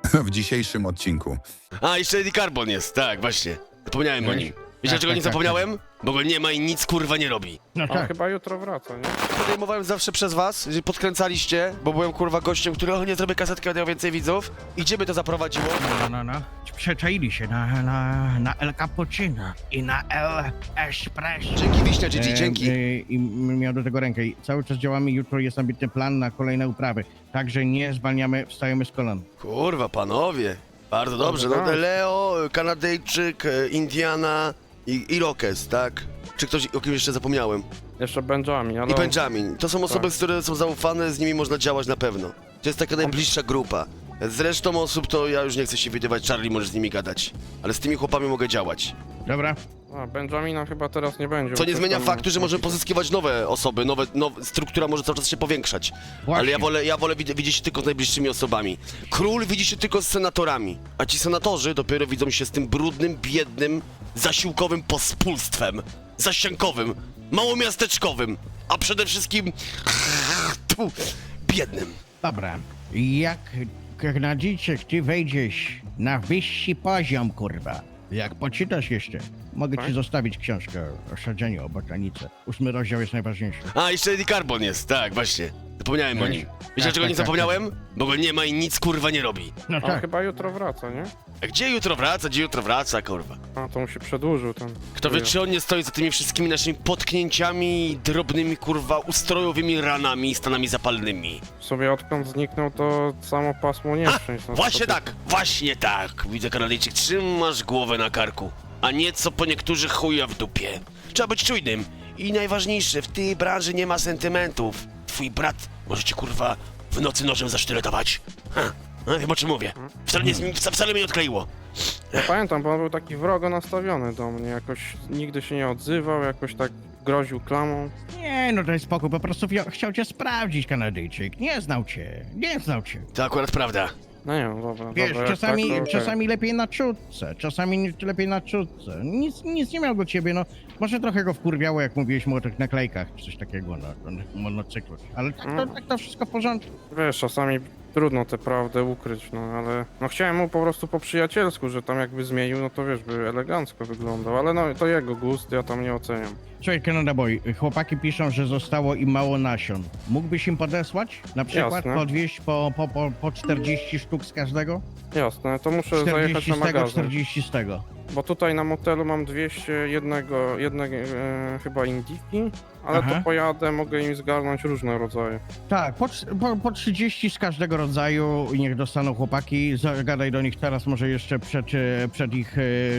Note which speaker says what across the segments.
Speaker 1: w dzisiejszym odcinku.
Speaker 2: A, jeszcze Eddie Carbon jest, tak, właśnie. Zapomniałem o nim. Wiecie, dlaczego nie zapomniałem? Bo go nie ma i nic kurwa nie robi.
Speaker 3: No
Speaker 4: On
Speaker 3: tak.
Speaker 4: chyba jutro wraca, nie?
Speaker 2: Podejmowałem zawsze przez was, że podkręcaliście, bo byłem kurwa gościem, który nie zrobię kasetki, będę miał więcej widzów. I gdzie by to zaprowadziło?
Speaker 3: No. Przeczaili się na El Cappuccino i na El Espresso.
Speaker 2: Dzięki Wiśnia, Gigi, dzięki.
Speaker 3: I miał do tego rękę. I cały czas działamy. Jutro jest ambitny plan na kolejne uprawy. Także nie zwalniamy, wstajemy z kolan.
Speaker 2: Kurwa, panowie. Bardzo dobrze, no
Speaker 4: tak.
Speaker 2: Leo, Kanadyjczyk, Indiana i Irokes, tak? Czy ktoś, o kim jeszcze zapomniałem?
Speaker 4: Jeszcze Benjamin, ale...
Speaker 2: I Benjamin. To są osoby,
Speaker 4: Tak.
Speaker 2: które są zaufane, z nimi można działać na pewno. To jest taka najbliższa grupa. Z resztą osób to ja już nie chcę się wydawać, Charlie, możesz z nimi gadać. Ale z tymi chłopami mogę działać.
Speaker 3: Dobra?
Speaker 4: A, Benjamina chyba teraz nie będzie.
Speaker 2: Co
Speaker 4: bo
Speaker 2: nie
Speaker 4: coś
Speaker 2: zmienia
Speaker 4: tam-
Speaker 2: faktu, że możemy pozyskiwać nowe osoby, struktura może cały czas się powiększać.
Speaker 3: Właśnie.
Speaker 2: Ale ja wolę widzieć się tylko z najbliższymi osobami. Król widzi się tylko z senatorami, a ci senatorzy dopiero widzą się z tym brudnym, biednym, zasiłkowym pospólstwem, zasiankowym, małomiasteczkowym, a przede wszystkim biednym.
Speaker 3: Dobra. Jak Kanadyjczyk, ty wejdziesz na wyższy poziom, kurwa. Jak poczytasz jeszcze, mogę ci
Speaker 4: Tak?
Speaker 3: zostawić książkę o sadzeniu, o botanice. 8 rozdział jest najważniejszy.
Speaker 2: A, jeszcze Eddie Carbon jest, tak, właśnie. Zapomniałem o nim. Wiecie, dlaczego nie
Speaker 3: tak.
Speaker 2: zapomniałem? Bo go nie ma i nic kurwa nie robi.
Speaker 3: No
Speaker 4: On
Speaker 3: tak.
Speaker 4: chyba jutro wraca, nie?
Speaker 2: A gdzie jutro wraca, kurwa?
Speaker 4: A, to mu się przedłużył ten...
Speaker 2: Kto wie, czy on nie stoi za tymi wszystkimi naszymi potknięciami, drobnymi, kurwa, ustrojowymi ranami i stanami zapalnymi.
Speaker 4: W sobie odkąd zniknął, to samo pasmo nieszczęść. no,
Speaker 2: Właśnie
Speaker 4: to-
Speaker 2: tak, właśnie tak. Widzę, Kanadyjczyk, trzymasz głowę na karku, a nie co po niektórych chuja w dupie. Trzeba być czujnym. I najważniejsze, w tej branży nie ma sentymentów. Twój brat może cię, kurwa, w nocy nożem zasztyletować. Wiem, o czym mówię. Wcale mnie nie odkleiło.
Speaker 4: Ja pamiętam, bo on był taki wrogo nastawiony do mnie, jakoś nigdy się nie odzywał, jakoś tak groził klamą.
Speaker 3: Nie, no to jest spokój, po prostu chciał cię sprawdzić, Kanadyjczyk. Nie znał cię.
Speaker 2: To akurat prawda.
Speaker 4: No nie wiem, dobra,
Speaker 3: Wiesz,
Speaker 4: dobra, jak
Speaker 3: czasami,
Speaker 4: tak, to okej.
Speaker 3: czasami lepiej na czutce, lepiej na czutce. Nic nie miał do ciebie, no. Może trochę go wkurwiało, jak mówiłeś mu o tych naklejkach, czy coś takiego na monocyklu. Ale tak to wszystko w porządku.
Speaker 4: Wiesz, czasami trudno tę prawdę ukryć, no ale... No chciałem mu po prostu po przyjacielsku, że tam jakby zmienił, no to wiesz, by elegancko wyglądał, ale no to jego gust, ja tam nie oceniam.
Speaker 3: Słuchaj, Canada Boy, chłopaki piszą, że zostało im mało nasion. Mógłbyś im podesłać? Na przykład
Speaker 4: Jasne.
Speaker 3: podwieźć po 40 sztuk z każdego?
Speaker 4: Jasne, to muszę zajechać
Speaker 3: 40
Speaker 4: na
Speaker 3: z tego,
Speaker 4: magazyn,
Speaker 3: 40 z tego.
Speaker 4: bo tutaj na motelu mam 200 jednego chyba indiki, ale
Speaker 3: Aha.
Speaker 4: to pojadę, mogę im zgarnąć różne rodzaje.
Speaker 3: Tak, po 30 z każdego rodzaju i niech dostaną chłopaki. Zagadaj do nich teraz, może jeszcze przed ich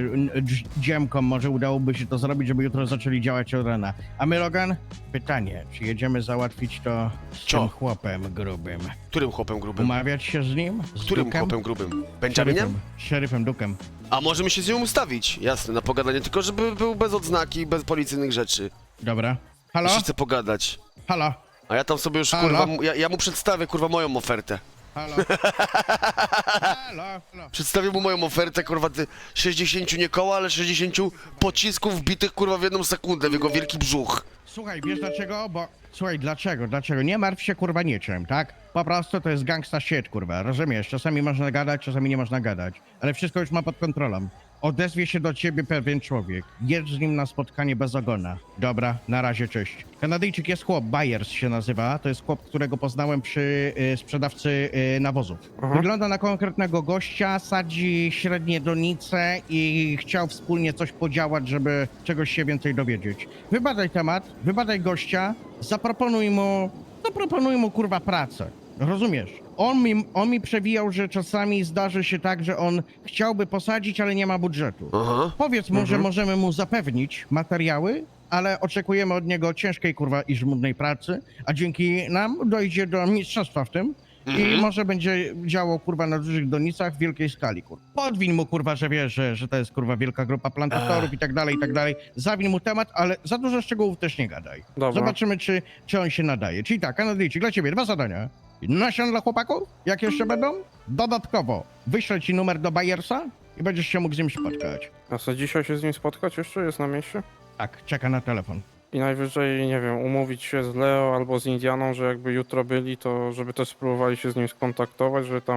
Speaker 3: dziemką, może udałoby się to zrobić, żeby jutro zaczęli działać od rana. A my, Logan, pytanie, czy jedziemy załatwić to z
Speaker 2: Co?
Speaker 3: tym chłopem grubym?
Speaker 2: Którym chłopem grubym?
Speaker 3: Umawiać się z nim? Z
Speaker 2: Którym
Speaker 3: Dukem?
Speaker 2: chłopem grubym? Benjaminem?
Speaker 3: Szeryfem Dukem.
Speaker 2: A możemy się z nią ustawić, jasne, na pogadanie, tylko żeby był bez odznaki, bez policyjnych rzeczy.
Speaker 3: Dobra. Halo?
Speaker 2: Jeśli chce pogadać.
Speaker 3: Halo?
Speaker 2: A ja tam sobie już,
Speaker 3: Halo?
Speaker 2: kurwa, ja mu przedstawię, kurwa, moją ofertę.
Speaker 3: Halo? Halo?
Speaker 2: Przedstawię mu moją ofertę, kurwa, 60 nie koła, ale 60 pocisków wbitych, kurwa, w jedną sekundę w jego wielki brzuch.
Speaker 3: Słuchaj, wiesz dlaczego? Słuchaj, dlaczego? Nie martw się, kurwa, niczym, tak? Po prostu to jest gangsta shit, kurwa, rozumiesz? Czasami można gadać, czasami nie można gadać, ale wszystko już ma pod kontrolą. Odezwie się do ciebie pewien człowiek. Jedź z nim na spotkanie bez ogona. Dobra, na razie, cześć. Kanadyjczyk jest chłop, Byers się nazywa. To jest chłop, którego poznałem przy sprzedawcy nawozów.
Speaker 4: Aha.
Speaker 3: Wygląda na konkretnego gościa, sadzi średnie donice i chciał wspólnie coś podziałać, żeby czegoś się więcej dowiedzieć. Wybadaj temat, wybadaj gościa, zaproponuj mu kurwa pracę. Rozumiesz? On mi przewijał, że czasami zdarzy się tak, że on chciałby posadzić, ale nie ma budżetu.
Speaker 2: Aha.
Speaker 3: Powiedz mu, że możemy mu zapewnić materiały, ale oczekujemy od niego ciężkiej kurwa i żmudnej pracy, a dzięki nam dojdzie do mistrzostwa w tym i może będzie działał kurwa na dużych donicach w wielkiej skali, kurwa. Podwiń mu kurwa, że wiesz, że to jest kurwa wielka grupa plantatorów i tak dalej, i tak dalej. Zawin mu temat, ale za dużo szczegółów też nie gadaj.
Speaker 4: Dobra.
Speaker 3: Zobaczymy, czy on się nadaje. Czyli tak, Kanadyjczyk, dla ciebie 2 zadania. Nasion dla chłopaków? Jak jeszcze będą? Dodatkowo wyślę ci numer do Byersa i będziesz się mógł z nim spotkać.
Speaker 4: A co, dzisiaj się z nim spotkać jeszcze? Jest na mieście?
Speaker 3: Tak, czeka na telefon.
Speaker 4: I najwyżej, nie wiem, umówić się z Leo albo z Indianą, że jakby jutro byli, to żeby też spróbowali się z nim skontaktować, że tam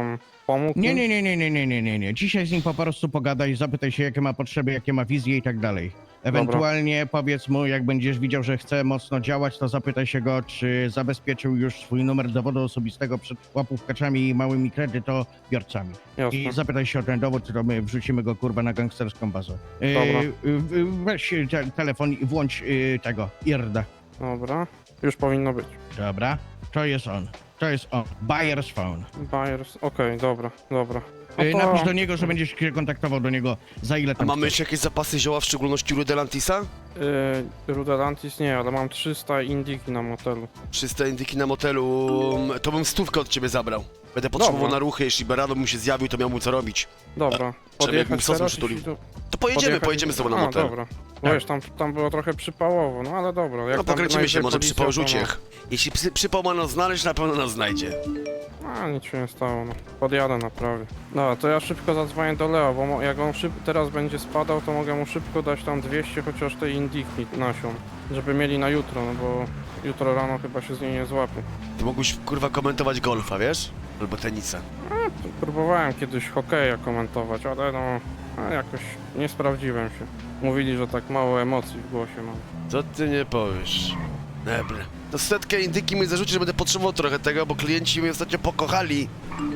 Speaker 4: pomógł?
Speaker 3: Nie,
Speaker 4: im?
Speaker 3: nie, nie, nie, nie, nie, nie, nie, nie. Dzisiaj z nim po prostu pogadaj, zapytaj się, jakie ma potrzeby, jakie ma wizje i tak dalej. Ewentualnie powiedz mu, jak będziesz widział, że chce mocno działać, to zapytaj się go, czy zabezpieczył już swój numer dowodu osobistego przed łapówkaczami i małymi kredytobiorcami.
Speaker 4: Jasne.
Speaker 3: I zapytaj się o ten dowód, to my wrzucimy go kurwa na gangsterską bazę.
Speaker 4: Dobra.
Speaker 3: Weź telefon i włącz tego, IRD.
Speaker 4: Dobra, już powinno być.
Speaker 3: Dobra, to jest on. To jest on. Buyer's phone.
Speaker 4: Buyers, okej, dobra, dobra. No to-
Speaker 3: Napisz do niego, że będziesz się kontaktował do niego za ile
Speaker 2: A
Speaker 3: tam
Speaker 2: mamy
Speaker 3: chcesz.
Speaker 2: jeszcze jakieś zapasy zioła, w szczególności Rudelantisa?
Speaker 4: Rudelantis nie, ale mam 300 indiki na motelu.
Speaker 2: 300 indyki na motelu, to bym 100 od ciebie zabrał. Będę potrzebował
Speaker 4: Dobra.
Speaker 2: na ruchy, jeśli Berado mu się zjawił, to miał mu co robić.
Speaker 4: Dobra,
Speaker 2: Żeby
Speaker 4: podjechać
Speaker 2: sosem
Speaker 4: teraz,
Speaker 2: przytulił.
Speaker 4: jeśli tu-
Speaker 2: To pojedziemy, pojedziemy z tobą na
Speaker 4: A,
Speaker 2: motel.
Speaker 4: dobra. Bo wiesz, tam było trochę przypałowo, no ale dobra. Jak
Speaker 2: No
Speaker 4: tam
Speaker 2: pokręcimy się,
Speaker 4: znajdzie
Speaker 2: może
Speaker 4: policja,
Speaker 2: przypał
Speaker 4: to
Speaker 2: rzuci. Jeśli przypał ma nas znaleźć, na pewno nas znajdzie.
Speaker 4: A, nic się nie stało, no. Podjadę na prawie. Dobra, to ja szybko zadzwonię do Leo, bo jak on teraz będzie spadał, to mogę mu szybko dać tam 200 chociaż tej indiki nasion. Żeby mieli na jutro, no bo jutro rano chyba się z niej nie złapie.
Speaker 2: Ty mógłbyś kurwa komentować golfa, wiesz? Albo tenisa.
Speaker 4: Próbowałem kiedyś hokeja komentować, ale no... jakoś nie sprawdziłem się. Mówili, że tak mało emocji w głosie mam.
Speaker 2: Co ty nie powiesz? Dobra. To setkę indyki mi zarzuci, że będę potrzebował trochę tego, bo klienci mnie ostatnio pokochali.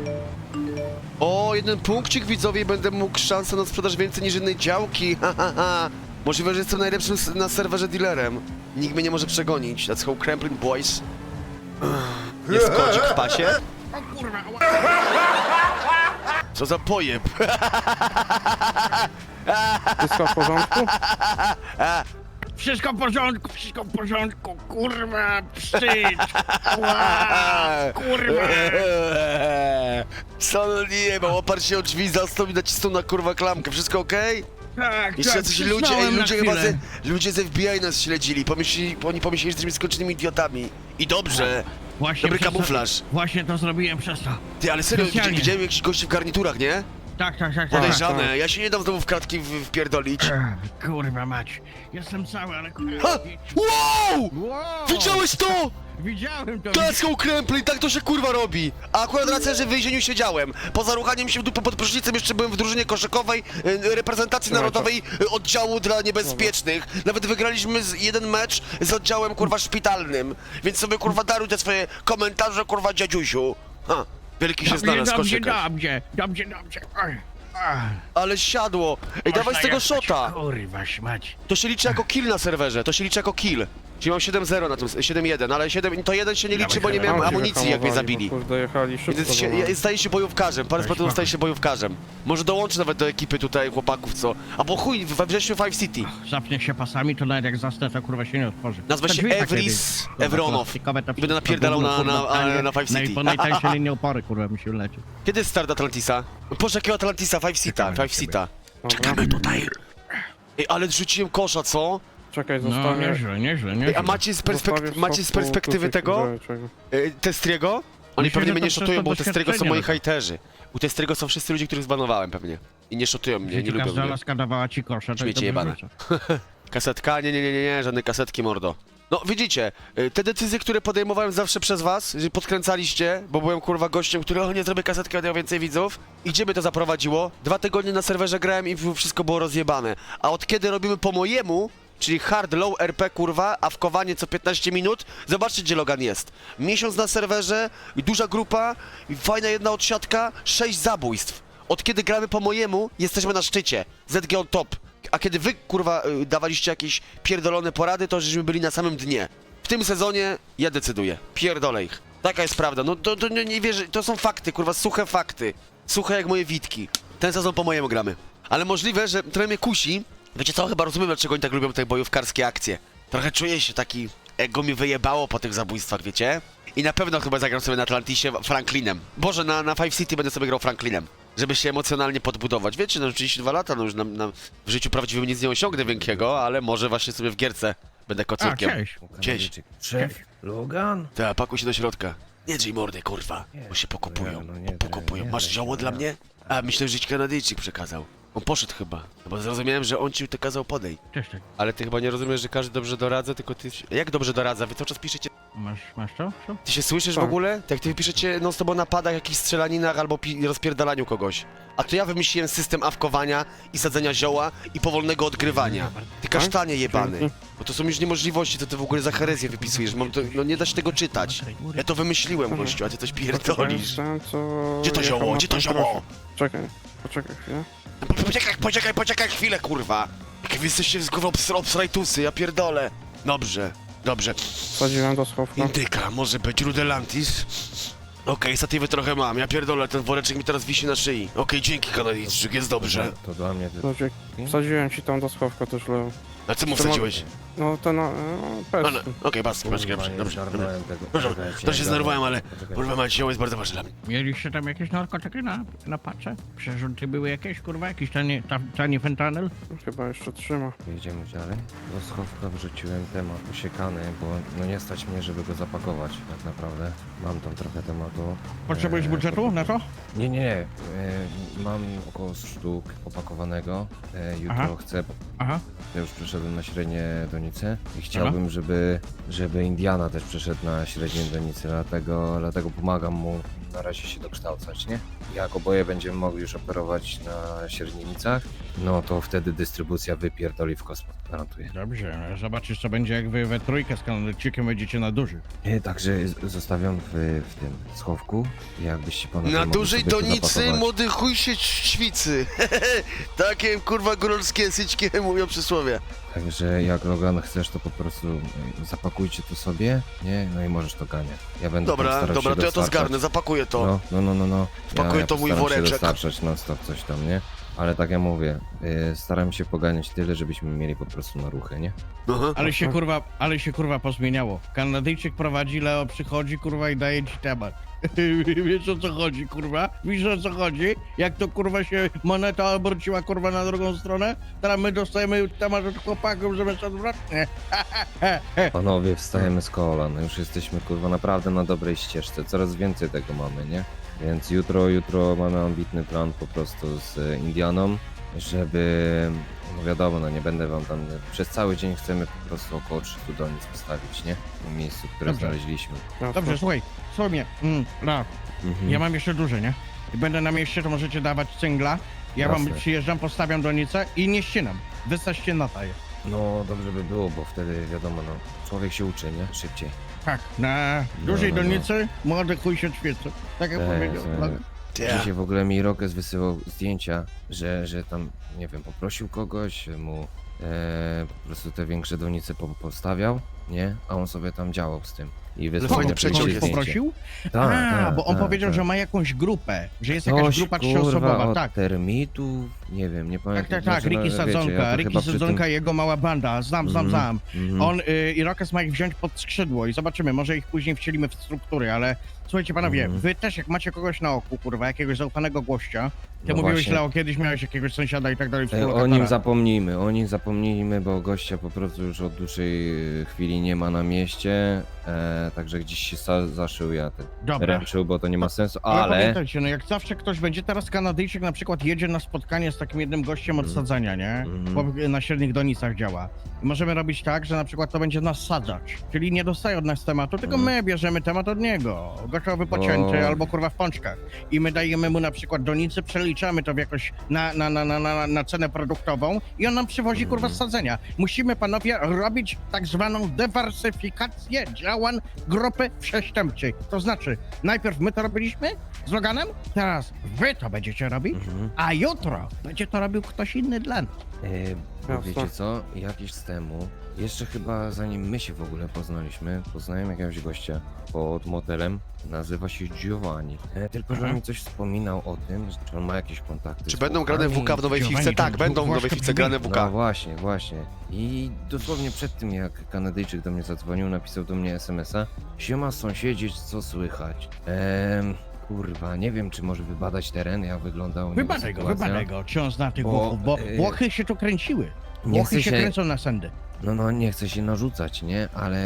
Speaker 2: O, jeden punkcik widzowie i będę mógł szansę na sprzedaż więcej niż jednej działki. Ha, ha, ha. Możliwe, że jestem najlepszym na serwerze dealerem. Nikt mnie nie może przegonić. Let's go Kremlin boys. Jest kodzik w pasie?
Speaker 3: O kurwa,
Speaker 2: Co za pojeb?
Speaker 4: Wszystko w porządku?
Speaker 3: wszystko w porządku, kurwa, wstyd. Ła, kurwa.
Speaker 2: Son nie ma, oparł się o drzwi, zastąpił i nacisnął na kurwa klamkę. Wszystko okej?
Speaker 3: Tak,
Speaker 2: Jeszcze
Speaker 3: tak,
Speaker 2: jacyś ludzie,
Speaker 3: przysnąłem na
Speaker 2: ludzie chyba
Speaker 3: chwilę.
Speaker 2: ludzie z FBI nas śledzili. Oni pomyśleli, że jesteśmy skończonymi idiotami. I dobrze.
Speaker 3: Właśnie
Speaker 2: Dobry
Speaker 3: przez to-
Speaker 2: kamuflaż.
Speaker 3: Właśnie to zrobiłem przez to.
Speaker 2: Ty, ale serio,
Speaker 3: Specjalnie.
Speaker 2: widziałem jakichś gości w garniturach, nie?
Speaker 3: Tak, tak, tak.
Speaker 2: Podejrzane.
Speaker 4: tak.
Speaker 2: Ja się nie dam znowu w kratki wpierdolić.
Speaker 3: Kurwa mać. Jestem cały, ale
Speaker 2: Ha!
Speaker 3: kurwa.
Speaker 2: Wow!
Speaker 3: Wow!
Speaker 2: Widziałeś to?
Speaker 3: Widziałem to.
Speaker 2: Klaską krępli, tak to się kurwa robi. A akurat racja, że w więzieniu siedziałem. Poza ruchaniem się w dupę pod prysznicem jeszcze byłem w drużynie koszykowej reprezentacji
Speaker 4: Słuchaj,
Speaker 2: narodowej oddziału dla niebezpiecznych. Nawet wygraliśmy jeden mecz z oddziałem kurwa szpitalnym. Więc sobie kurwa daruj te swoje komentarze kurwa dziadziusiu. Ha, wielki się znalazł koszykarz.
Speaker 3: Dobrze. Oj. Ach,
Speaker 2: Ale siadło. Ej, dawaj z
Speaker 3: można
Speaker 2: tego
Speaker 3: jechać.
Speaker 2: shota.
Speaker 3: Kurwa śmać.
Speaker 2: To się liczy jako kill na serwerze, to się liczy jako kill. Czyli mam 7-0 na tym, 7-1, ale 7, to 1 się nie liczy, bo nie miałem
Speaker 4: Tam się
Speaker 2: amunicji jak mnie
Speaker 4: wyhamowali,
Speaker 2: zabili.
Speaker 4: bo Kurde, jechali szybko.
Speaker 2: Więc
Speaker 4: za nami.
Speaker 2: staje się bojówkarzem, parę spotów staje się bojówkarzem. Może dołączy nawet do ekipy tutaj chłopaków, co? Albo chuj, we wrześniu Five City.
Speaker 3: Zapnie się pasami, to nawet jak zasnę, to kurwa się nie otworzy.
Speaker 2: Nazwę
Speaker 3: Te
Speaker 2: się
Speaker 3: drzwi takie,
Speaker 2: Evris
Speaker 3: kurwa,
Speaker 2: Evronow.
Speaker 3: plastikowe, to
Speaker 2: I będę
Speaker 3: wszystko
Speaker 2: napierdalał
Speaker 3: gówno,
Speaker 2: na
Speaker 3: kurwa, tanie.
Speaker 2: Five City.
Speaker 3: Po najtańsze linie opory, kurwa, mi się leci.
Speaker 2: Kiedy jest start Atlantisa? Boże, jakiego Atlantisa? Five Cita,
Speaker 3: Czekamy na
Speaker 2: Five
Speaker 3: ciebie.
Speaker 2: Cita.
Speaker 4: Dobra.
Speaker 2: Czekamy tutaj. Ej, ale rzuciłem kosza, co?
Speaker 4: Czekaj,
Speaker 3: No,
Speaker 4: zostawię...
Speaker 3: nieźle.
Speaker 2: Ej, a macie z,
Speaker 4: zostawię w
Speaker 2: macie z
Speaker 4: schowku
Speaker 2: perspektywy
Speaker 4: kluczyk
Speaker 2: tego?
Speaker 4: czego.
Speaker 2: Testriego? Oni
Speaker 3: Myślę,
Speaker 2: pewnie
Speaker 3: że
Speaker 2: mnie
Speaker 3: to
Speaker 2: nie
Speaker 3: przez
Speaker 2: szotują,
Speaker 3: to
Speaker 2: bo u Testriego są
Speaker 3: doświadczenie
Speaker 2: moi
Speaker 3: no to.
Speaker 2: hejterzy. U Testriego są wszyscy ludzie, których zbanowałem pewnie. I nie szotują mnie, nie lubią
Speaker 3: Każda
Speaker 2: mnie.
Speaker 3: laska dawała ci kosza, to
Speaker 2: Śmiecie
Speaker 3: dobrze
Speaker 2: jebane.
Speaker 3: wrzuca.
Speaker 2: Kasetka? Nie, żadnej kasetki, mordo. No, widzicie, te decyzje, które podejmowałem zawsze przez was, że podkręcaliście, bo byłem kurwa gościem, który, o nie zrobię kasetki, będę miał więcej widzów. I gdzie mnie to zaprowadziło? 2 tygodnie na serwerze grałem i wszystko było rozjebane. A od kiedy robimy po mojemu, czyli hard, low RP kurwa, a wkowanie co 15 minut, zobaczcie gdzie Logan jest. Miesiąc na serwerze, i duża grupa, i fajna jedna odsiadka, 6 zabójstw. Od kiedy gramy po mojemu, jesteśmy na szczycie. ZG on top. A kiedy wy, kurwa, dawaliście jakieś pierdolone porady, to żeśmy byli na samym dnie. W tym sezonie ja decyduję. Pierdolę ich. Taka jest prawda. No to nie wierzę. To są fakty, kurwa, suche fakty. Suche jak moje witki. Ten sezon po mojemu gramy. Ale możliwe, że trochę mnie kusi. Wiecie co, chyba rozumiem, dlaczego oni tak lubią te bojówkarskie akcje. Trochę czuję się taki... Ego mi wyjebało po tych zabójstwach, wiecie? I na pewno chyba zagram sobie na Atlantisie Franklinem. Boże, na Five City będę sobie grał Franklinem. Żeby się emocjonalnie podbudować. Wiecie, no 32 lata, no już w życiu prawdziwym nic nie osiągnę większego, ale może właśnie sobie w gierce będę
Speaker 3: A,
Speaker 2: kocylkiem.
Speaker 3: cześć.
Speaker 2: Cześć.
Speaker 1: Szef, Logan?
Speaker 2: Ta, pakuj się do środka. Nie drzyj mordy, kurwa, bo się pokupują.
Speaker 1: no nie,
Speaker 2: Pokupują.
Speaker 1: nie,
Speaker 2: Masz
Speaker 1: nie,
Speaker 2: zioło
Speaker 1: nie,
Speaker 2: dla
Speaker 1: nie.
Speaker 2: mnie? A, myślę, że ci Kanadyjczyk przekazał. On poszedł chyba, no bo zrozumiałem, że on ci to kazał podej.
Speaker 3: Cześć.
Speaker 2: Ale ty chyba nie rozumiesz, że każdy dobrze doradza, tylko ty... Jak dobrze doradza? Wy cały czas piszecie
Speaker 3: Masz to? Co?
Speaker 2: Ty się słyszysz w
Speaker 4: Tak.
Speaker 2: ogóle? Jak ty piszecie non stop o napadach, jakichś strzelaninach albo rozpierdalaniu kogoś. A to ja wymyśliłem system awkowania i sadzenia zioła i powolnego odgrywania. Ty kasztanie jebany.
Speaker 4: Dzięki.
Speaker 2: Bo to są już niemożliwości, to ty w ogóle za herezję wypisujesz. No nie da się tego czytać. Ja to wymyśliłem, gościu, a ty coś pierdolisz.
Speaker 4: Ten, co
Speaker 2: Gdzie to
Speaker 4: jechał
Speaker 2: zioło?
Speaker 4: na
Speaker 2: Gdzie to
Speaker 4: tą
Speaker 2: zioło?
Speaker 4: trasę. Czekaj, poczekaj chwilę.
Speaker 2: Poczekaj chwilę, kurwa. Jak wy jesteście z głową obsrajtusy, ja pierdolę. Dobrze.
Speaker 4: Wsadziłem do schowka.
Speaker 2: Indyka, może być Rudelantis. Okej, statywy trochę mam, ja pierdolę, ten woreczek mi teraz wisi na szyi. Okej, dzięki Kanadyjczyk, jest dobrze.
Speaker 5: To dla mnie ty...
Speaker 4: No, wsadziłem ci tam do schowka też, Leo.
Speaker 2: A co mu
Speaker 4: To
Speaker 2: wsadziłeś?
Speaker 4: No, ten,
Speaker 2: A, no, okej, dobrze. Proszę, to się zdenerwowałem, ale kurwa mać, zioło jest bardzo ważne dla mnie.
Speaker 3: Mieliście tam jakieś narkotyki na pacze? Przerzuty były jakieś, kurwa? Jakiś tani fentanyl?
Speaker 4: Chyba jeszcze trzyma.
Speaker 5: Jedziemy dalej. Do schowka wrzuciłem temat usiekany, bo no nie stać mnie, żeby go zapakować tak naprawdę. Mam tam trochę tematu.
Speaker 3: Potrzebujesz budżetu na to?
Speaker 5: Nie. Mam około 100 sztuk opakowanego. Jutro
Speaker 3: Aha.
Speaker 5: chcę...
Speaker 3: Aha.
Speaker 5: Ja już przeszedłem na średnie donice i chciałbym, żeby Indiana też przeszedł na średnie donice, dlatego pomagam mu na razie się dokształcać, nie? Jak oboje będziemy mogli już operować na średnicach, no to wtedy dystrybucja wypierdoli w kosmos, gwarantuję.
Speaker 3: Dobrze, zobaczysz co będzie jak wy we trójkę z Kanadyjczykiem będziecie na duży.
Speaker 5: Także zostawiam w tym schowku, jakbyście panowie
Speaker 2: Na
Speaker 5: mogli
Speaker 2: dużej
Speaker 5: sobie to
Speaker 2: donicy
Speaker 5: zapakować.
Speaker 2: młody chuj się ćwicy. Takie kurwa góralskie syćkie mówią przysłowie.
Speaker 5: Także jak Logan chcesz, to po prostu zapakujcie to sobie, nie? No i możesz to ganiać. Ja będę tam
Speaker 2: Dobra,
Speaker 5: starał się
Speaker 2: to ja to
Speaker 5: dostarczać.
Speaker 2: zgarnę, zapakuję to.
Speaker 5: No.
Speaker 2: Wpakuję to w mój
Speaker 5: postaram się
Speaker 2: woreczek.
Speaker 5: dostarczać non stop coś tam, nie? Ale tak jak mówię, staram się poganiać tyle, żebyśmy mieli po prostu na ruchy, nie?
Speaker 2: Aha.
Speaker 3: Ale się kurwa pozmieniało. Kanadyjczyk prowadzi, Leo przychodzi kurwa i daje ci temat. Wiesz o co chodzi, kurwa? Wiesz o co chodzi? Jak to kurwa się moneta obróciła kurwa na drugą stronę? Teraz my dostajemy temat od chłopaków, zamiast odwrotnie.
Speaker 5: Panowie, wstajemy z kolan, no już jesteśmy kurwa naprawdę na dobrej ścieżce, coraz więcej tego mamy, nie? Więc jutro mamy ambitny plan po prostu z Indianą, żeby, no wiadomo, no nie będę wam tam, przez cały dzień chcemy po prostu około 300 donic postawić, nie? W tym miejscu, które
Speaker 3: Dobrze.
Speaker 5: znaleźliśmy.
Speaker 3: Dobrze, słuchaj mnie. Ja mam jeszcze duże, nie? I będę na mieście, to możecie dawać cyngla. Ja wam
Speaker 5: Jasne.
Speaker 3: przyjeżdżam, postawiam donicę i nie ścinam. Wystaćcie na taję.
Speaker 5: No dobrze by było, bo wtedy wiadomo, no człowiek się uczy, nie? Szybciej.
Speaker 3: Tak, na dużej
Speaker 5: no.
Speaker 3: donicy młody chuj się świeci. Tak jak powiedział.
Speaker 2: Ja.
Speaker 5: Dzisiaj w ogóle mi Rokes wysyłał zdjęcia, że tam, nie wiem, poprosił kogoś, mu po prostu te większe donice postawiał, nie? A on sobie tam działał z tym. I wysłał
Speaker 2: fajny
Speaker 5: mi
Speaker 2: przeciąg
Speaker 5: oczywiście
Speaker 2: jest.
Speaker 5: zdjęcie.
Speaker 3: Poprosił?
Speaker 5: Tak,
Speaker 3: Bo on
Speaker 5: tak,
Speaker 3: powiedział,
Speaker 5: tak.
Speaker 3: że ma jakąś grupę, że jest jakaś
Speaker 5: Coś,
Speaker 3: grupa
Speaker 5: kurwa,
Speaker 3: trzyosobowa,
Speaker 5: od
Speaker 3: tak.
Speaker 5: termitów, nie wiem, nie pamiętam.
Speaker 3: Tak, Ricky
Speaker 5: wiecie,
Speaker 3: Sadzonka,
Speaker 5: ja to
Speaker 3: Ricky
Speaker 5: chyba przy tym-
Speaker 3: Sadzonka i jego mała banda, znam.
Speaker 5: Mhm.
Speaker 3: On i Rokes ma ich wziąć pod skrzydło i zobaczymy, może ich później wcielimy w struktury, ale słuchajcie panowie,
Speaker 5: Mhm.
Speaker 3: wy też jak macie kogoś na oku, kurwa, jakiegoś zaufanego gościa, ty
Speaker 5: No
Speaker 3: mówiłeś,
Speaker 5: właśnie.
Speaker 3: Leo, kiedyś miałeś jakiegoś sąsiada i tak dalej,
Speaker 5: O nim zapomnijmy, bo gościa po prostu już od dłuższej chwili nie ma na mieście, także gdzieś się zaszył, ja ten
Speaker 3: Dobra.
Speaker 5: ręczył, bo to nie ma sensu,
Speaker 3: Ale
Speaker 5: ale...
Speaker 3: pamiętajcie, no jak zawsze ktoś będzie, teraz Kanadyjczyk na przykład jedzie na spotkanie z takim jednym gościem od sadzania, nie?
Speaker 5: Mhm.
Speaker 3: Chłop na średnich donicach działa. I możemy robić tak, że na przykład to będzie nas sadzać, czyli nie dostaje od nas tematu, tylko my bierzemy temat od niego. Gościowy pocięty
Speaker 5: O.
Speaker 3: albo kurwa w pączkach. I my dajemy mu na przykład donicy, przeliczamy to w jakoś na cenę produktową i on nam przywozi kurwa z sadzenia. Musimy panowie robić tak zwaną dywersyfikację działań grupy przestępczej. To znaczy, najpierw my to robiliśmy z Loganem, teraz wy to będziecie robić,
Speaker 5: Mhm.
Speaker 3: a jutro będzie to robił ktoś inny dla nas.
Speaker 5: Bo
Speaker 4: Jasne.
Speaker 5: wiecie co, jakiś temu, jeszcze chyba zanim my się w ogóle poznaliśmy, poznałem jakiegoś gościa pod motelem, nazywa się Giovanni. Tylko, że on mi coś wspominał o tym, że on ma jakieś kontakty
Speaker 2: Czy
Speaker 5: z
Speaker 2: będą grane
Speaker 5: Włochami.
Speaker 2: WK w nowej
Speaker 3: Giovanni,
Speaker 2: fifce?
Speaker 3: to
Speaker 2: Tak, będą w nowej
Speaker 3: Włoszka
Speaker 2: fifce grane WK.
Speaker 5: No właśnie. I dosłownie przed tym, jak Kanadyjczyk do mnie zadzwonił, napisał do mnie SMS-a: siema sąsiedzi, co słychać? Kurwa, nie wiem, czy może wybadać teren, jak wygląda u niego sytuacja.
Speaker 3: Wybadaj go, czy on zna tych
Speaker 5: Bo,
Speaker 3: Włochów, bo
Speaker 5: y,
Speaker 3: Włochy się tu kręciły.
Speaker 5: Nie
Speaker 3: Włochy
Speaker 5: chcę
Speaker 3: się kręcą na sędy.
Speaker 5: No, nie chcę się narzucać, nie? Ale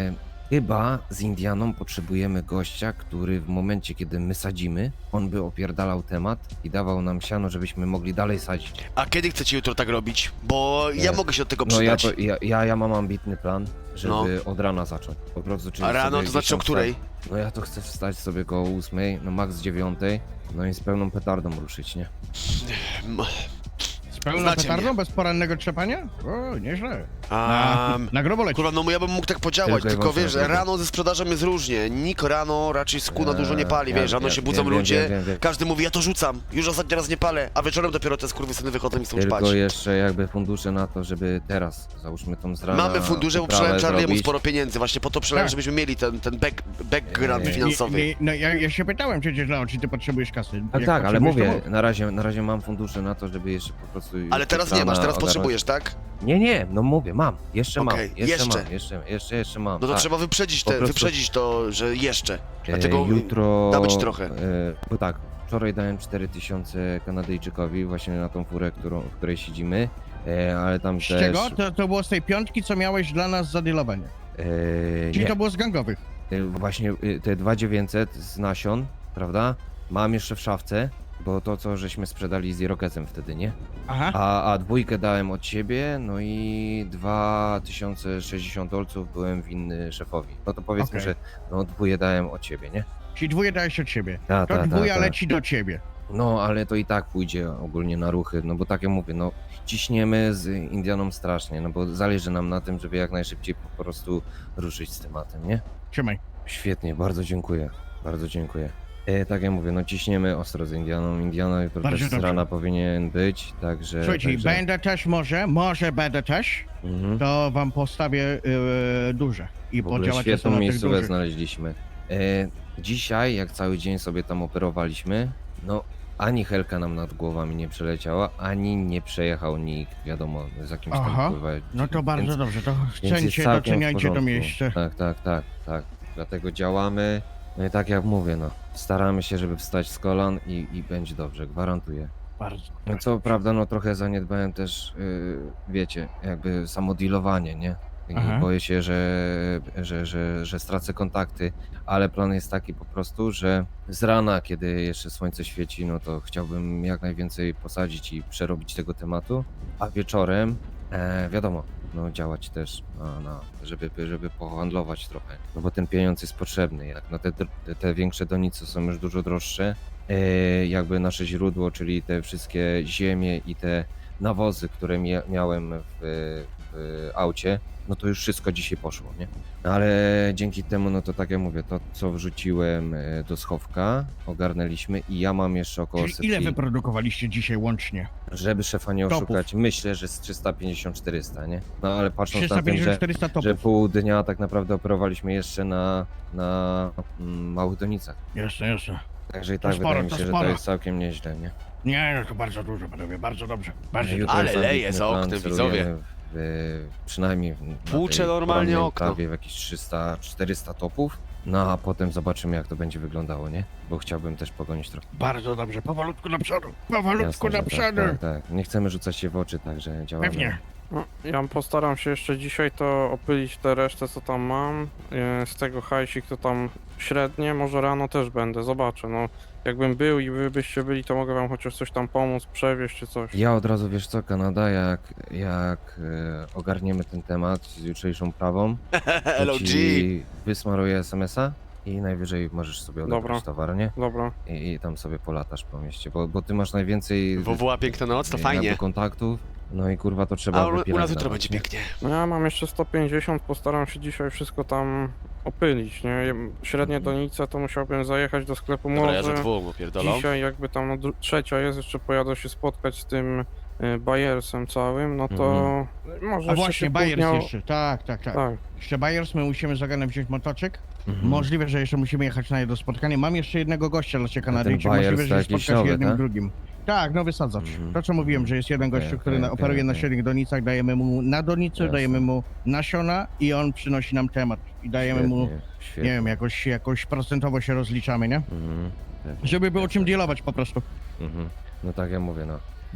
Speaker 5: Chyba z Indianą potrzebujemy gościa, który w momencie, kiedy my sadzimy, on by opierdalał temat i dawał nam siano, żebyśmy mogli dalej sadzić.
Speaker 2: A kiedy chcecie jutro tak robić? Bo ja
Speaker 5: Nie.
Speaker 2: mogę się od tego
Speaker 5: No
Speaker 2: przydać.
Speaker 5: ja mam ambitny plan, żeby
Speaker 2: No.
Speaker 5: od rana zacząć. Po prostu, czyli
Speaker 2: A rano
Speaker 5: sobie
Speaker 2: to znaczy o
Speaker 5: gdzieś tam
Speaker 2: której?
Speaker 5: No ja to chcę wstać sobie koło 8, no max 9, no i z pełną petardą ruszyć, nie?
Speaker 2: M-
Speaker 3: Z pełną
Speaker 2: Znacie
Speaker 3: petardą,
Speaker 2: mnie.
Speaker 3: bez porannego trzepania? O, nieźle.
Speaker 2: A,
Speaker 3: Na grubo leci.
Speaker 2: kurwa, no ja bym mógł tak podziałać,
Speaker 5: Tylko i
Speaker 2: tylko
Speaker 5: wyłącznie
Speaker 2: wiesz,
Speaker 5: na tego.
Speaker 2: rano ze sprzedażą jest różnie. Nikt rano raczej skóra dużo nie pali, wiesz, rano się budzą
Speaker 5: wiem,
Speaker 2: ludzie,
Speaker 5: wiem.
Speaker 2: każdy mówi, ja to rzucam, już ostatni raz nie palę, a wieczorem dopiero te skurwysyny wychodzą i chcą
Speaker 5: Tylko
Speaker 2: spać.
Speaker 5: jeszcze jakby fundusze na to, żeby teraz, załóżmy tą z rana
Speaker 2: Mamy fundusze, bo
Speaker 5: poprawę
Speaker 2: przelałem Charlie'emu
Speaker 5: zrobić.
Speaker 2: sporo pieniędzy, właśnie po to przelałem,
Speaker 3: Tak.
Speaker 2: żebyśmy mieli ten background
Speaker 5: Nie,
Speaker 2: finansowy.
Speaker 3: No ja się pytałem przecież, no, czy ty potrzebujesz kasy.
Speaker 5: Tak,
Speaker 3: Jak
Speaker 5: tak, ale
Speaker 3: potrzebujesz, to
Speaker 5: mówię,
Speaker 3: mów.
Speaker 5: na razie mam fundusze na to, żeby jeszcze po prostu...
Speaker 2: Ale
Speaker 5: już
Speaker 2: teraz
Speaker 5: od
Speaker 2: nie masz,
Speaker 5: rana
Speaker 2: teraz
Speaker 5: ogarnąć.
Speaker 2: potrzebujesz, tak?
Speaker 5: Nie, no mówię, mam, jeszcze
Speaker 2: Okej,
Speaker 5: mam,
Speaker 2: jeszcze.
Speaker 5: jeszcze mam.
Speaker 2: No to
Speaker 5: tak.
Speaker 2: trzeba wyprzedzić,
Speaker 5: Po prostu-
Speaker 2: wyprzedzić to, że jeszcze. Dlatego
Speaker 5: Jutro...
Speaker 2: dawać trochę.
Speaker 5: Bo tak, wczoraj dałem 4000 Kanadyjczykowi właśnie na tą furę, w której siedzimy, ale tam
Speaker 3: Z
Speaker 5: też...
Speaker 3: czego? To było z tej piątki, co miałeś dla nas zadealowanie. Czyli
Speaker 5: nie,
Speaker 3: to było z gangowych.
Speaker 5: właśnie te 2900 z nasion, prawda? Mam jeszcze w szafce, bo to co żeśmy sprzedali z Irokezem wtedy, nie?
Speaker 3: Aha.
Speaker 5: A dwójkę dałem od siebie, no i 2060 dolców byłem winny szefowi. No to powiedzmy,
Speaker 3: Okej.
Speaker 5: że no dwóje dałem od siebie, nie?
Speaker 3: Czyli dwóje dałeś od siebie.
Speaker 5: Ta,
Speaker 3: To dwója leci do ciebie.
Speaker 5: No, ale to i tak pójdzie ogólnie na ruchy, no bo tak jak mówię, no ciśniemy z Indianą strasznie, no bo zależy nam na tym, żeby jak najszybciej po prostu ruszyć z tematem, nie?
Speaker 3: Trzymaj.
Speaker 5: Świetnie, bardzo dziękuję, bardzo dziękuję. Tak jak mówię, no ciśniemy ostro z Indianą, Indiana jutro
Speaker 3: Bardzo
Speaker 5: też z
Speaker 3: dobrze.
Speaker 5: rana powinien być, także...
Speaker 3: Słuchajcie,
Speaker 5: także...
Speaker 3: będę też może będę też,
Speaker 5: Mhm.
Speaker 3: to wam postawię duże. I
Speaker 5: W ogóle
Speaker 3: podziałacie
Speaker 5: świetną
Speaker 3: sobie na tych
Speaker 5: miejscówkę
Speaker 3: dużych.
Speaker 5: znaleźliśmy. Dzisiaj, jak cały dzień sobie tam operowaliśmy, no ani helka nam nad głowami nie przeleciała, ani nie przejechał nikt, wiadomo, z jakimś
Speaker 3: Aha,
Speaker 5: tam kurwa...
Speaker 3: No to bardzo
Speaker 5: więc,
Speaker 3: dobrze, to
Speaker 5: więc jest
Speaker 3: chcęcie,
Speaker 5: całkiem w
Speaker 3: doceniajcie to
Speaker 5: porządku.
Speaker 3: miejsce.
Speaker 5: Tak. Dlatego działamy. No i tak jak mówię, no, staramy się, żeby wstać z kolan i będzie dobrze, gwarantuję.
Speaker 3: Bardzo.
Speaker 5: No co prawda, no trochę zaniedbałem też, wiecie, jakby samo dealowanie, nie? I
Speaker 3: Aha.
Speaker 5: boję się, że stracę kontakty, ale plan jest taki po prostu, że z rana, kiedy jeszcze słońce świeci, no to chciałbym jak najwięcej posadzić i przerobić tego tematu, a wieczorem, wiadomo, no działać też, żeby pohandlować trochę, no bo ten pieniądz jest potrzebny, jak no te większe donice są już dużo droższe, jakby nasze źródło, czyli te wszystkie ziemie i te nawozy, które miałem w aucie, no to już wszystko dzisiaj poszło, nie? Ale dzięki temu, no to tak jak mówię, to co wrzuciłem do schowka, ogarnęliśmy i ja mam jeszcze około
Speaker 3: Czyli ile
Speaker 5: setki,
Speaker 3: wyprodukowaliście dzisiaj łącznie?
Speaker 5: żeby szefa nie
Speaker 3: Topów.
Speaker 5: oszukać, myślę, że z 350-400, nie? No ale patrząc na tym,
Speaker 3: 350-400
Speaker 5: że
Speaker 3: topów.
Speaker 5: pół dnia tak naprawdę operowaliśmy jeszcze na małych donicach.
Speaker 3: Jasne.
Speaker 5: Także i
Speaker 3: To
Speaker 5: tak
Speaker 3: sporo,
Speaker 5: wydaje mi
Speaker 3: to
Speaker 5: się, że
Speaker 3: sporo.
Speaker 5: to jest całkiem nieźle, nie?
Speaker 3: Nie, no to bardzo dużo, panowie, bardzo dobrze. Bardzo
Speaker 5: Jutro
Speaker 2: Ale
Speaker 5: jest
Speaker 2: leje
Speaker 5: ambitny
Speaker 2: za
Speaker 5: plan,
Speaker 2: oknem,
Speaker 5: celujemy
Speaker 2: widzowie.
Speaker 5: przynajmniej na
Speaker 2: Tłucze
Speaker 5: tej
Speaker 2: normalnie
Speaker 5: porannej
Speaker 2: okno.
Speaker 5: prawie w jakieś 300-400 topów. No a potem zobaczymy jak to będzie wyglądało, nie? Bo chciałbym też pogonić trochę.
Speaker 3: Bardzo dobrze, powolutku do przodu. Powolutku
Speaker 5: Jasne,
Speaker 3: do
Speaker 5: że
Speaker 3: przodu.
Speaker 5: tak. Nie chcemy rzucać się w oczy, także działamy.
Speaker 3: Pewnie.
Speaker 4: No, ja postaram się jeszcze dzisiaj to opylić tę resztę, co tam mam. Z tego hajsik to tam średnie, może rano też będę, zobaczę. No, jakbym był i wy byście byli, to mogę wam chociaż coś tam pomóc, przewieźć czy coś.
Speaker 5: Ja od razu, wiesz co, Kanada, jak ogarniemy ten temat z jutrzejszą prawą, to
Speaker 2: LOG.
Speaker 5: ci wysmaruję SMS-a i najwyżej możesz sobie odebrać
Speaker 4: Dobra.
Speaker 5: towar, nie?
Speaker 4: Dobra,
Speaker 5: I tam sobie polatasz po mieście, bo ty masz najwięcej
Speaker 2: WWA Piękna Noc, to fajnie.
Speaker 5: jakby kontaktów, no i kurwa to trzeba
Speaker 2: A u nas
Speaker 5: wypilać
Speaker 2: jutro
Speaker 5: dawać,
Speaker 2: będzie
Speaker 5: nie?
Speaker 2: pięknie.
Speaker 4: no ja mam jeszcze 150, postaram się dzisiaj wszystko tam opylić, nie? Średnie donice to musiałbym zajechać do sklepu
Speaker 2: Dobra, ja za
Speaker 4: może.
Speaker 2: dwóch opierdolą.
Speaker 4: Dzisiaj jakby tam no, trzecia jest, jeszcze pojadę się spotkać z tym Bayersem całym, no to może
Speaker 3: A
Speaker 4: jeszcze
Speaker 3: właśnie,
Speaker 4: się
Speaker 3: Bayers
Speaker 4: później-
Speaker 3: jeszcze, tak.
Speaker 4: Tak,
Speaker 3: Jeszcze Bayers, my musimy z Oganem wziąć motoczyk.
Speaker 5: Mhm.
Speaker 3: Możliwe, że jeszcze musimy jechać na jedno spotkanie. Mam jeszcze jednego gościa dla ciebie
Speaker 5: ten
Speaker 3: Kanadyjczyk.
Speaker 5: Bayers
Speaker 3: Możliwe,
Speaker 5: to
Speaker 3: że
Speaker 5: jakiś
Speaker 3: spotkasz
Speaker 5: nowy,
Speaker 3: jednym
Speaker 5: tak?
Speaker 3: drugim. Tak, nowy sadzacz.
Speaker 5: Mhm.
Speaker 3: To co mówiłem, że jest jeden
Speaker 5: Okej,
Speaker 3: gościu, który
Speaker 5: okej,
Speaker 3: operuje na
Speaker 5: okej.
Speaker 3: średnich donicach, dajemy mu na donicy,
Speaker 5: Jasne.
Speaker 3: dajemy mu nasiona i on przynosi nam temat. I dajemy mu,
Speaker 5: Świetnie.
Speaker 3: nie wiem, jakoś procentowo się rozliczamy, nie?
Speaker 5: Mhm. Pewnie.
Speaker 3: Żeby było czym
Speaker 5: Jasne.
Speaker 3: dealować po prostu.
Speaker 5: Mhm. No tak jak mówię, no.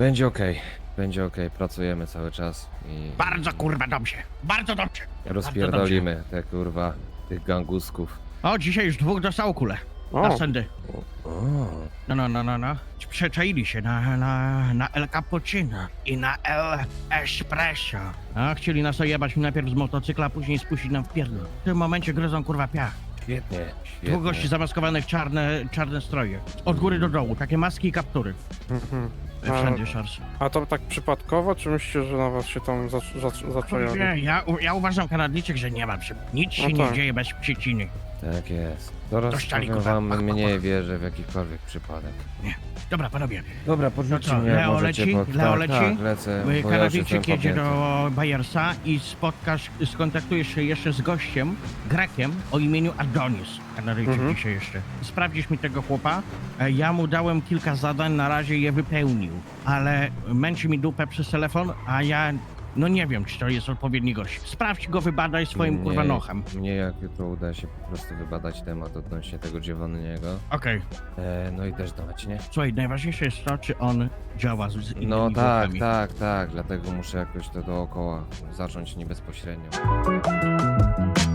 Speaker 5: Będzie okej, pracujemy cały czas i
Speaker 3: Bardzo kurwa dobrze, bardzo dobrze.
Speaker 5: rozpierdolimy te kurwa tych gangusków.
Speaker 3: O, dzisiaj już 2 dostało kulę.
Speaker 4: O,
Speaker 3: Na sędy.
Speaker 5: O,
Speaker 3: No. Przeczaili się na El Cappuccino i na El Espresso. A chcieli nas ojebać najpierw z motocykla, a później spuścić nam w pierdol. W tym momencie gryzą kurwa piach.
Speaker 5: świetnie,
Speaker 3: 2 gości
Speaker 5: świetnie.
Speaker 3: zamaskowanych czarne stroje. Od góry do dołu, takie maski i kaptury.
Speaker 4: mhm.
Speaker 3: Wszędzie szarcy.
Speaker 4: A to tak przypadkowo, czy myślicie, że na was się tam zaczęli?
Speaker 3: Nie, ja uważam, Kanadyjczyk, że nie ma nic się
Speaker 4: No
Speaker 3: nie
Speaker 4: tak.
Speaker 3: dzieje bez przyczyny.
Speaker 5: Tak jest. Zaraz
Speaker 3: Dościali,
Speaker 5: powiem
Speaker 3: kurwa.
Speaker 5: wam, mniej wierzę w jakikolwiek przypadek.
Speaker 3: Dobra, panowie.
Speaker 5: Dobra,
Speaker 3: No
Speaker 5: podrzućcie
Speaker 3: co,
Speaker 5: mnie, jak
Speaker 3: Leo
Speaker 5: możecie,
Speaker 3: leci?
Speaker 5: bo...
Speaker 3: Leo
Speaker 5: tak,
Speaker 3: leci?
Speaker 5: tak, lecę, bo ja już
Speaker 3: Kanadyjczyk
Speaker 5: jestem
Speaker 3: jedzie
Speaker 5: podjęty.
Speaker 3: do Bayersa i skontaktujesz się jeszcze z gościem, Grekiem, o imieniu Adonis. Kanadyjczyk dzisiaj jeszcze. Sprawdzisz mi tego chłopa. Ja mu dałem kilka zadań, na razie je wypełnił, ale męczy mi dupę przez telefon, a ja... No nie wiem, czy to jest odpowiedni gość. Sprawdź go, wybadaj swoim kurwa nochem.
Speaker 5: Mnie jak jutro uda się po prostu wybadać temat odnośnie tego Giovanniego.
Speaker 3: Okej.
Speaker 5: No i też dawać, nie?
Speaker 3: Słuchaj, najważniejsze jest to, czy on działa z innymi
Speaker 5: No tak,
Speaker 3: włokami.
Speaker 5: tak, dlatego muszę jakoś to dookoła zacząć nie bezpośrednio.